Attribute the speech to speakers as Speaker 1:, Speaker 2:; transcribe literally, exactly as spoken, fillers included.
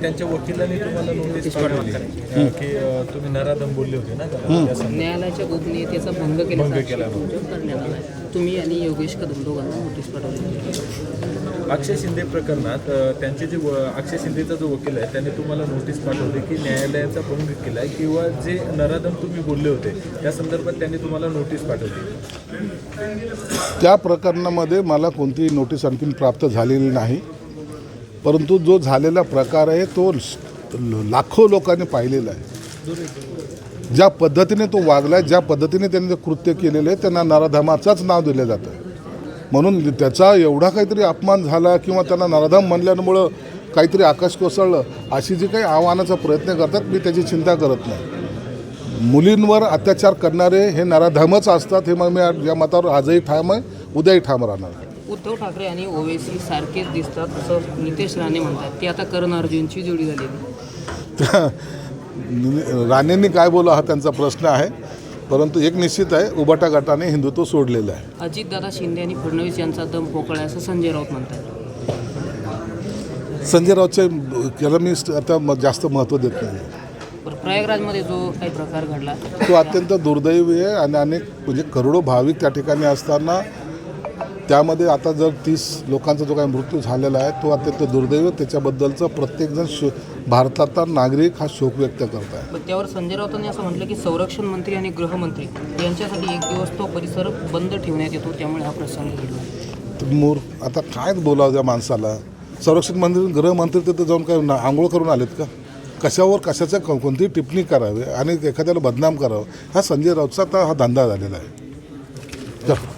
Speaker 1: त्यांच्या वकिलांनी तुम्हाला नोटीस पाठवली की अ, तुम्ही नराधम बोलले होते ना त्याला, त्या संदर्भात.
Speaker 2: न्यायालयाच्या गोपनीयतेचा भंग
Speaker 1: भंग
Speaker 2: केल्याचा
Speaker 1: केला.
Speaker 2: आक्षेप तुमच्यावर करण्यात आला आहे. तुम्ही आणि योगेश कदम दोघांना नोटीस पाठवली.
Speaker 1: अक्षय शिंदे प्रकरणात अ, त्यांचे जे व- अक्षय शिंदेचा जो वकील आहे त्याने तुम्हाला नोटीस पाठवली की न्यायालयाचा भंग केला आहे किंवा जे नराधम तुम्ही बोलले होते त्या संदर्भात त्यांनी तुम्हाला नोटीस पाठवली.
Speaker 3: त्या प्रकरणामध्ये मला कोणतीही नोटीस आणखीन प्राप्त झालेली नाही, परंतु जो झालेला प्रकार आहे तो लाखो लोकांनी पाहिलेला आहे. ज्या पद्धतीने तो वागला आहे, ज्या पद्धतीने त्यांनी ते कृत्य केलेलं आहे त्यांना नराधमाचाच नाव दिलं जातं. म्हणून त्याचा एवढा काहीतरी अपमान झाला किंवा त्यांना नराधम म्हणल्यामुळं काहीतरी आकाश कोसळलं अशी जी काही आव्हानाचा प्रयत्न करतात मी त्याची चिंता करत नाही. मुलींवर अत्याचार करणारे हे नराधमच असतात हे मग मी या मतावर आजही ठाम आहे, उद्याही ठाम राहणार.
Speaker 2: उद्धव ठाकरे आणि ओवेसी सारखेच दिसतात असं नितेश राणे म्हणतात. ती आता करण अर्जुनची जोडी झालेली.
Speaker 3: राणेंनी काय बोला हा त्यांचा प्रश्न आहे, परंतु एक निश्चित आहे, उबाटा गटाने हिंदुत्व सोडलेलं आहे.
Speaker 2: अजितदादा शिंदे आणि फडणवीस यांचा दम पोकळा आहे असं संजय राऊत म्हणतात.
Speaker 3: संजय राऊतच्या याला मी आता म- जास्त महत्त्व देत नाही.
Speaker 2: बरं, प्रयागराजमध्ये जो काही प्रकार घडला
Speaker 3: तो अत्यंत दुर्दैवी आहे आणि अनेक म्हणजे करोडो भाविक त्या ठिकाणी असताना त्यामध्ये आता जर तीस लोकांचा जो काही मृत्यू झालेला आहे तो अत्यंत दुर्दैवी. त्याच्याबद्दलचा प्रत्येकजण शो भारताचा नागरिक हा शोक व्यक्त करत आहे.
Speaker 2: पण त्यावर संजय राऊतांनी असं म्हटलं की संरक्षण मंत्री आणि गृहमंत्री यांच्यासाठी एक दिवस तो परिसर बंद ठेवण्यात येतो, त्यामुळे हा प्रसंग घडला.
Speaker 3: तर मूर आता काय बोलावं त्या माणसाला. संरक्षण मंत्री गृहमंत्री तिथे जाऊन काय ना- आंघोळ करून आलेत का? कशावर कशाचं को- कोणतीही टिप्पणी करावी आणि एखाद्याला बदनाम करावं हा संजय राऊतचा आता हा धंदा झालेला आहे. चल.